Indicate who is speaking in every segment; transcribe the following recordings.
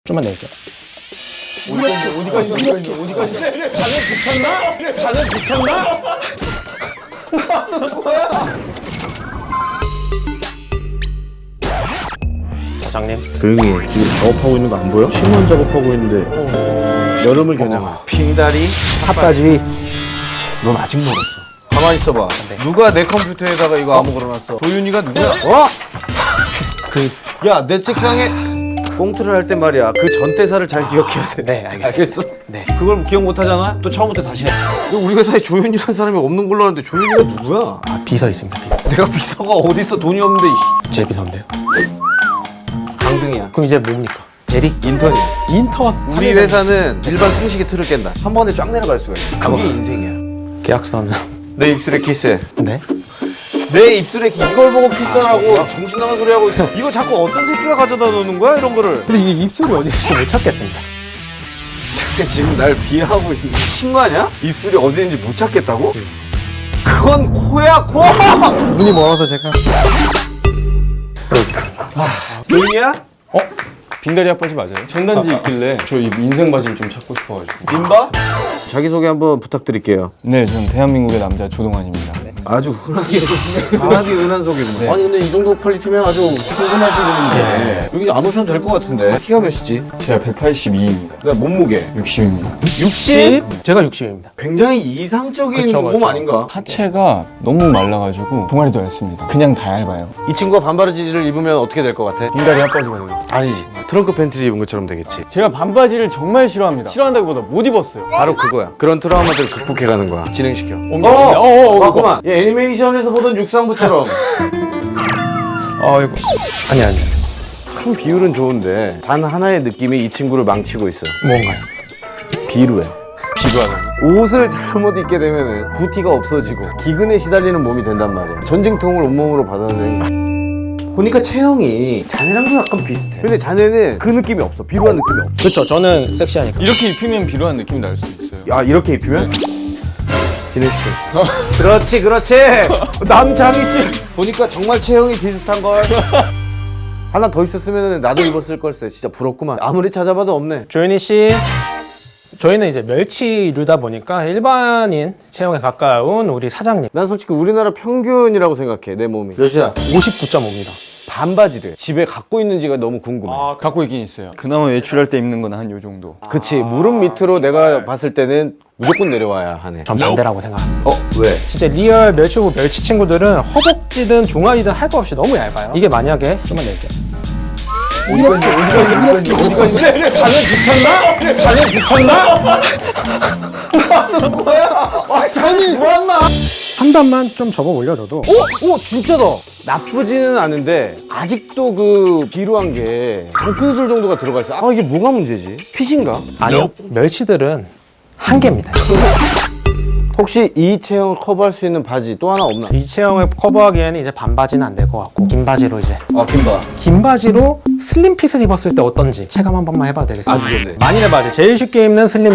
Speaker 1: 좀만 내릴게요.
Speaker 2: 어디까지? 자네 미쳤나? 자네 미쳤나?
Speaker 1: 사장님.
Speaker 3: 조용히 해. 지금 작업하고 있는 거 안 보여? 신문 작업하고 있는데 여름을 겨냥한
Speaker 2: 빙다리?
Speaker 3: 핫바지. 넌 아직 멀었어.
Speaker 2: 가만히 있어봐. 누가 내 컴퓨터에다가 이거 아무 걸어놨어? 조윤이가 누구야? 야, 내 책상에 꽁트를 할 때 말이야. 그 전 대사를 잘 기억해야 돼.
Speaker 1: 네, 알겠습니다.
Speaker 2: 알겠어?
Speaker 1: 네.
Speaker 2: 그걸 기억 못 하잖아? 또 처음부터 다시 해. 우리 회사에 조윤이라는 사람이 없는 걸로 아는데 조윤이가 누구야?
Speaker 1: 비서 있습니다. 비서.
Speaker 2: 내가 비서가 어딨어? 돈이 없는데.
Speaker 1: 제 비서인데요.
Speaker 2: 강등이야.
Speaker 1: 그럼 이제 뭡니까? 대리?
Speaker 2: 인턴이야.
Speaker 1: 인턴.
Speaker 2: 우리 회사는 일반 상식의 틀을 깬다. 한 번에 쫙 내려갈 수가 있어. 그게 인생이야.
Speaker 1: 계약서는.
Speaker 2: 내 입술에 키스해.
Speaker 1: 네.
Speaker 2: 내 입술에 이걸 보고 키스하라고 정신 나간 소리 하고 있어. 이거 자꾸 어떤 새끼가 가져다 놓는 거야 이런 거를?
Speaker 1: 근데 이 입술이 어디 있을지 못 찾겠습니다.
Speaker 2: 지금 날 비하하고 있는 미친 거 아니야? 입술이 어디 있는지 못 찾겠다고? 그건 코야 코!
Speaker 1: 눈이 멀어서 제가.
Speaker 2: 조윤이야?
Speaker 4: 빙다리 핫바지 맞아요? 전단지 있길래 저 이 인생 바지를 좀 찾고 싶어가지고.
Speaker 2: 민바? 자기소개 한번 부탁드릴게요.
Speaker 4: 네, 전 대한민국의 남자 조동환입니다.
Speaker 2: 아주 흔하게 흔한 소개구만. 아니 근데 이 정도 퀄리티면 아주 충분하신 분인데 여기 안 오셔도 될 것 같은데. 키가 몇이지?
Speaker 4: 제가 182입니다.
Speaker 2: 내가 몸무게
Speaker 4: 60입니다.
Speaker 2: 60?
Speaker 1: 제가 60입니다.
Speaker 2: 굉장히 이상적인
Speaker 1: 그쵸,
Speaker 2: 몸
Speaker 1: 그쵸.
Speaker 2: 아닌가?
Speaker 4: 하체가 너무 말라가지고 종아리도 얇습니다. 그냥 다 얇아요.
Speaker 2: 이 친구가 반바지를 입으면 어떻게 될 것 같아?
Speaker 4: 빙다리 핫바지가 되겠죠.
Speaker 2: 아니지. 트렁크 팬티를 입은 것처럼 되겠지.
Speaker 4: 제가 반바지를 정말 싫어합니다. 싫어한다기보다 못 입었어요.
Speaker 2: 바로 그거야. 그런 트라우마들을 극복해가는 거야. 진행시켜.
Speaker 4: 그거.
Speaker 2: 얘 애니메이션에서 보던 육상부처럼.
Speaker 1: 이거. 아니.
Speaker 2: 참 비율은 좋은데 단 하나의 느낌이 이 친구를 망치고 있어.
Speaker 1: 뭔가요?
Speaker 2: 비루해.
Speaker 4: 비교하는.
Speaker 2: 옷을 잘못 입게 되면은 부티가 없어지고 기근에 시달리는 몸이 된단 말이야. 전쟁통을 온몸으로 받아들이는. 보니까 체형이 자네랑도 약간 비슷해. 근데 자네는 그 느낌이 없어. 비루한 느낌이 없어.
Speaker 1: 그렇죠. 저는 섹시하니까.
Speaker 4: 이렇게 입히면 비루한 느낌이 날 수도 있어요.
Speaker 2: 야, 이렇게 입히면? 진행시켜. 그렇지. 남장희 씨. 보니까 정말 체형이 비슷한 걸. 하나 더 있었으면 나도 입었을 걸세. 진짜 부럽구만. 아무리 찾아봐도 없네.
Speaker 1: 조윤희 씨. 저희는 이제 멸치류다 보니까 일반인 체형에 가까운 우리 사장님.
Speaker 2: 난 솔직히 우리나라 평균이라고 생각해. 내 몸이. 몇이야?
Speaker 1: 59.5입니다.
Speaker 2: 반바지를 집에 갖고 있는지가 너무 궁금해.
Speaker 4: 갖고 있긴 있어요. 그나마 외출할 때 입는 건 한 요 정도.
Speaker 2: 그치. 무릎 밑으로 내가 봤을 때는 무조건 내려와야 하네.
Speaker 1: 전 반대라고 생각합니다.
Speaker 2: 왜?
Speaker 1: 진짜 리얼 멸치고 멸치 친구들은 허벅지든 종아리든 할 거 없이 너무 얇아요. 이게 만약에 좀만 내릴게요.
Speaker 2: 어디가 있네? 자네 미쳤나? 자네 미쳤나? 뭐하는 거야? 자네 뭐하나?
Speaker 1: 한 단만 좀 접어 올려줘도
Speaker 2: 오 진짜다. 나쁘지는 않은데 아직도 그 비루한 게 방풍술 정도가 들어가 있어. 아 이게 뭐가 문제지? 핏인가?
Speaker 1: 아니요. 멸치들은 한계입니다.
Speaker 2: 혹시 이 체형을 커버할 수 있는 바지 또 하나 없나?
Speaker 1: 이 체형을 커버하기에는 이제 반바지는 안 될 것 같고 긴 바지로 이제
Speaker 2: 긴바.
Speaker 1: 긴 바지로 슬림핏을 입었을 때 어떤지 체감 한 번만 해봐도 되겠습니다.
Speaker 2: 아주 좋네.
Speaker 1: 만일의 바지 제일 쉽게 입는 슬림핏.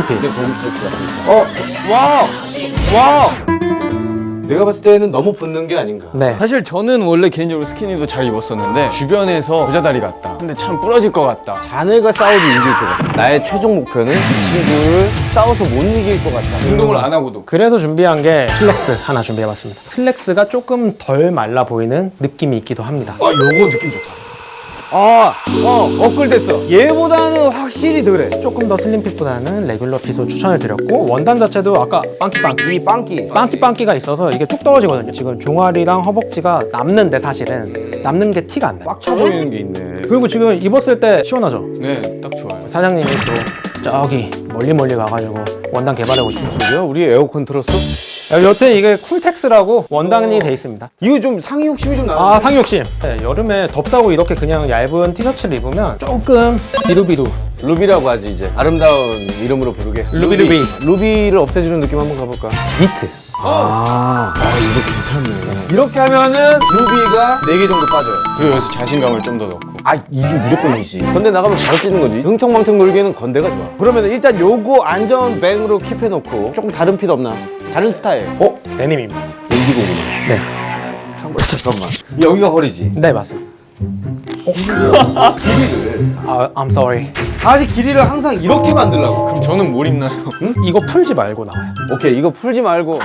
Speaker 2: 와우. 내가 봤을 때는 너무 붙는 게 아닌가.
Speaker 1: 네.
Speaker 4: 사실 저는 원래 개인적으로 스키니도 잘 입었었는데 주변에서 여자다리 같다. 근데 참 부러질 것 같다.
Speaker 2: 자네가 싸워도 이길 것 같아. 나의 최종 목표는 이 친구를 싸워서 못 이길 것 같다.
Speaker 4: 운동을 안 하고도.
Speaker 1: 그래서 준비한 게 슬랙스 하나 준비해봤습니다. 슬랙스가 조금 덜 말라 보이는 느낌이 있기도 합니다.
Speaker 2: 요거 느낌 좋다. 업글됐어. 얘보다는 확실히 덜해.
Speaker 1: 조금 더 슬림핏보다는 레귤러 핏을 추천을 드렸고 원단 자체도 아까 빵끼
Speaker 2: 이 빵끼.
Speaker 1: 빵끼가 있어서 이게 툭 떨어지거든요. 지금 종아리랑 허벅지가 남는데 사실은 남는 게 티가 안 나요.
Speaker 2: 꽉 차 보이는 게 있네.
Speaker 1: 그리고 지금 입었을 때 시원하죠?
Speaker 4: 네, 딱 좋아요.
Speaker 1: 사장님이 또 저기 멀리 가가지고 원단 개발하고 싶은 소리.
Speaker 2: 뭐야? 우리 에어컨 틀었어?
Speaker 1: 여튼 이게 쿨텍스라고 원단이 돼 있습니다.
Speaker 2: 이거 좀 상의 욕심이 좀 나.
Speaker 1: 아 상욕심. 네, 여름에 덥다고 이렇게 그냥 얇은 티셔츠를 입으면 조금 비루비루.
Speaker 2: 루비라고 하지 이제. 아름다운 이름으로 부르게.
Speaker 1: 루비.
Speaker 2: 루비를 없애주는 느낌 한번 가볼까?
Speaker 1: 니트.
Speaker 2: 이거 괜찮네. 이렇게 하면은 루비가 4개 정도 빠져요.
Speaker 4: 그리고 여기서 자신감을 좀 더 넣고.
Speaker 2: 이게 무조건이지. 건대 나가면 바로 찌는 거지. 흥청망청 놀기에는 건대가 좋아. 그러면 일단 요거 안전 백으로 킵해놓고 조금 다른 핏 없나? 다른 스타일.
Speaker 1: 데님입니다.
Speaker 2: 인디고구나.
Speaker 1: 네.
Speaker 2: 잠깐만. 여기가 허리지.
Speaker 1: 네 맞습니다. I'm sorry.
Speaker 2: 바지 길이를 항상 이렇게 만들라고.
Speaker 4: 그럼 저는 뭘 입나요?
Speaker 1: 이거 풀지 말고 나와요.
Speaker 2: 오케이, 이거 풀지 말고.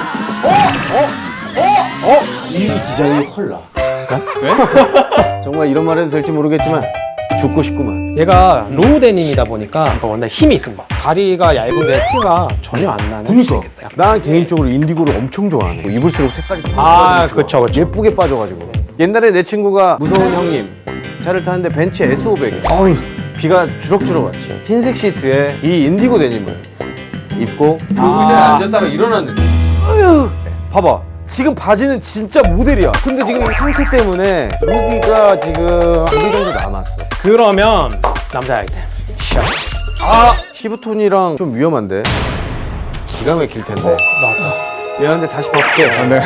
Speaker 2: 이 기장이 헐나.
Speaker 4: 네?
Speaker 2: 정말 이런 말 해도 될지 모르겠지만 죽고 싶구만.
Speaker 1: 얘가 로우 데님이다 보니까 원래 힘이 있습니다. 다리가 얇은데 티가 전혀 안 나는.
Speaker 2: 그니까. 난 개인적으로 인디고를 엄청 좋아하네. 입을수록 색깔이 더
Speaker 1: 아,
Speaker 2: 좋아.
Speaker 1: 그쵸, 그쵸.
Speaker 2: 예쁘게 빠져가지고. 옛날에 내 친구가 무서운 형님 차를 타는데 벤츠 S500. 어우, 비가 주럭주럭 왔지. 흰색 시트에 이 인디고 데님을 입고 그 의자에 앉았다가 일어났는데. 아유, 봐봐. 지금 바지는 진짜 모델이야. 근데 지금 상체 때문에 루비가 지금 2개 정도 남았어.
Speaker 1: 그러면 남자 아이템. 샷.
Speaker 2: 아, 피부톤이랑 좀 위험한데. 기가 막힐 텐데.
Speaker 1: 나왔다.
Speaker 2: 미안한데 다시 벗게.
Speaker 4: 아, 네.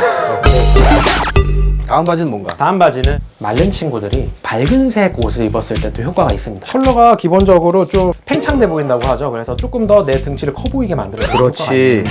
Speaker 2: 다음 바지는 뭔가?
Speaker 1: 다음 바지는 마른 친구들이 밝은색 옷을 입었을 때 또 효과가 있습니다. 컬러가 기본적으로 좀 팽창돼 보인다고 하죠. 그래서 조금 더 내 등치를 커 보이게 만들어요.
Speaker 2: 그렇지.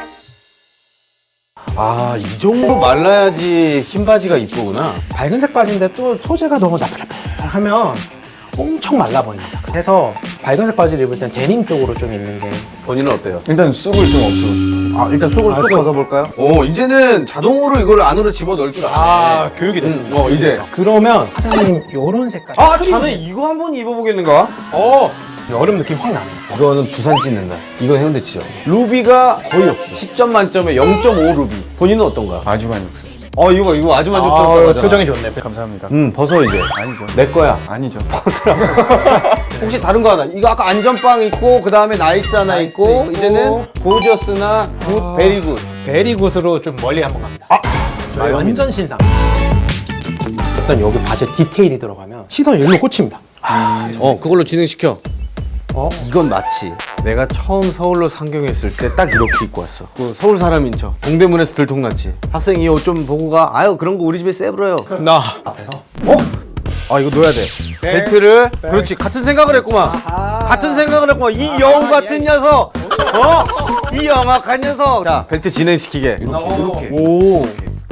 Speaker 2: 아, 이 정도 말라야지 흰 바지가 이쁘구나.
Speaker 1: 밝은색 바지인데 또 소재가 너무 나풀나풀하면 엄청 말라 보입니다. 그래서 밝은색 바지를 입을 땐 데님 쪽으로 좀 입는 게.
Speaker 2: 본인은 어때요?
Speaker 4: 일단 쑥을 좀 없애고 싶어요.
Speaker 2: 아, 일단 쑥을 쑥 벗어볼까요? 오, 이제는 자동으로 이걸 안으로 집어넣을 줄 아네.
Speaker 1: 교육이 됐습니다.
Speaker 2: 이제.
Speaker 1: 그러면 사장님 요런 색깔.
Speaker 2: 아, 자네 이거 한번 입어보겠는가?
Speaker 1: 여름 느낌 확 나네요.
Speaker 2: 이거는 부산 찢는다. 이건 해운대치죠. 루비가 거의 없어. 10점 만점에 0.5 루비. 본인은 어떤가?
Speaker 4: 아주 많이 없어요.
Speaker 2: 이거 아주 만족스럽다고 하잖아.
Speaker 1: 표정이 좋네.
Speaker 4: 감사합니다.
Speaker 2: 벗어 이제.
Speaker 4: 아니죠.
Speaker 2: 내 거야.
Speaker 4: 아니죠.
Speaker 2: 혹시 다른 거 하나? 이거 아까 안전빵 있고 그 다음에 나이스 하나 있고 이제는 고저스나 굿, 베리굿.
Speaker 1: 베리굿으로 좀 멀리 한번 갑니다. 저희
Speaker 2: 마요미.
Speaker 1: 완전 신상. 일단 여기 바지 디테일이 들어가면 시선 일로 꽂힙니다.
Speaker 2: 그걸로 진행시켜.
Speaker 1: 어?
Speaker 2: 이건 마치 내가 처음 서울로 상경했을 때 딱 이렇게 입고 왔어. 그 서울 사람인 척. 동대문에서 들통났지. 학생 이 옷 좀 보고 가. 아유, 그런 거 우리 집에 세브러요.
Speaker 1: 나 앞에서
Speaker 2: 이거 넣어야 돼. 벨트를. 그렇지. 같은 생각을 했구만. 같은 생각을 했구만. 이 여우 같은 녀석. 이 영악한 녀석. 자, 벨트 진행시키게. 이렇게. 오.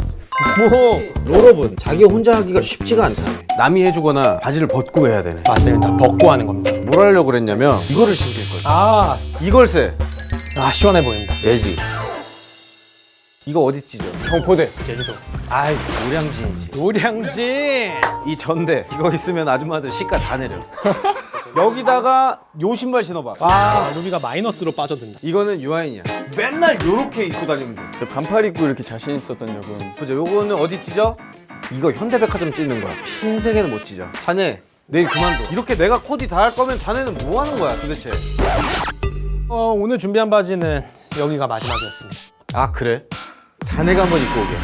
Speaker 2: 여러분, 자기 혼자 하기가 쉽지가 않다. 남이 해주거나 바지를 벗고 해야 되네.
Speaker 1: 맞습니다. 벗고 하는 겁니다.
Speaker 2: 뭘 하려고 그랬냐면 이거를 신길 거야. 이걸 세.
Speaker 1: 시원해 보입니다.
Speaker 2: 예지. 이거 어디 찢어?
Speaker 1: 경포대, 제주도.
Speaker 2: 아이, 노량진이지.
Speaker 1: 노량진.
Speaker 2: 이 전대 이거 있으면 아줌마들 시가 다 내려. 여기다가 요 신발 신어봐.
Speaker 1: 루비가 마이너스로 빠져든다.
Speaker 2: 이거는 유아인이야. 맨날 요렇게 입고 다니면 돼.
Speaker 4: 저 반팔 입고 이렇게 자신 있었던 적은
Speaker 2: 보자, 요거는 어디 찢어? 이거 현대백화점 찢는 거야. 흰색에는 못 찢어. 자네 내일 그만둬. 이렇게 내가 코디 다 할 거면 자네는 뭐 하는 거야 도대체?
Speaker 1: 오늘 준비한 바지는 여기가 마지막이었습니다.
Speaker 2: 아, 그래? 자네가 한번 입고 오게.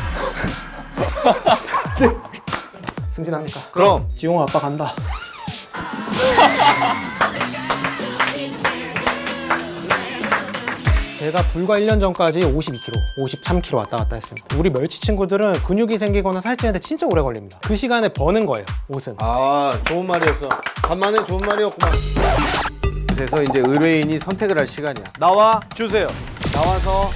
Speaker 1: 승진합니까?
Speaker 2: 그럼.
Speaker 1: 지용 아빠 간다. 제가 불과 1년 전까지 52kg, 53kg 왔다 갔다 했습니다. 우리 멸치 친구들은 근육이 생기거나 살찌는데 진짜 오래 걸립니다. 그 시간에 버는 거예요, 옷은.
Speaker 2: 아, 좋은 말이었어. 간만에 좋은 말이었구만. 그래서 이제 의뢰인이 선택을 할 시간이야. 나와 주세요. 나와서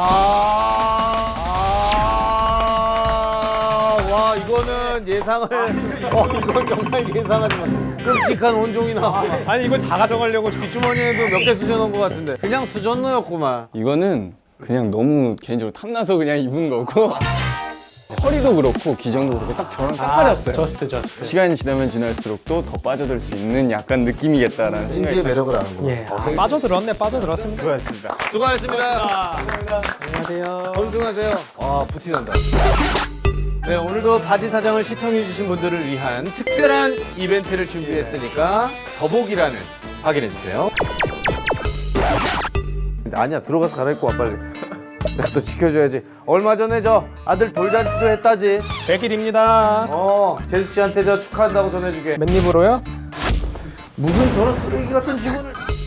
Speaker 2: 와, 이거는 예상을 이건 정말 예상하지 못해. 끔찍한 혼종이 나와.
Speaker 1: 아니 이걸 다 가져가려고
Speaker 2: 뒷주머니에도 몇 개 수저넣은 것 같은데 그냥 수저넣었구만.
Speaker 4: 이거는 그냥 너무 개인적으로 탐나서 그냥 입은 거고 허리도 그렇고 기장도 그렇고 딱 저랑 딱 맞았어요.
Speaker 1: 저스트.
Speaker 4: 시간이 지나면 지날수록 또 더 빠져들 수 있는 약간 느낌이겠다라는 생각이
Speaker 2: 진지의 매력을 아는구나.
Speaker 1: 예. 빠져들었습니다.
Speaker 4: 들었습니다.
Speaker 2: 수고하셨습니다.
Speaker 1: 안녕하세요.
Speaker 2: 건승하세요. 부티난다. 네, 오늘도 바지 사장을 시청해주신 분들을 위한 특별한 이벤트를 준비했으니까 더보기란을 확인해주세요. 아니야, 들어가서 갈아입고 와, 빨리. 내가 또 지켜줘야지. 얼마 전에 저 아들 돌잔치도 했다지.
Speaker 1: 100일입니다.
Speaker 2: 제수 씨한테 저 축하한다고 전해주게.
Speaker 1: 맨입으로요?
Speaker 2: 무슨 저런 쓰레기 같은 직원을.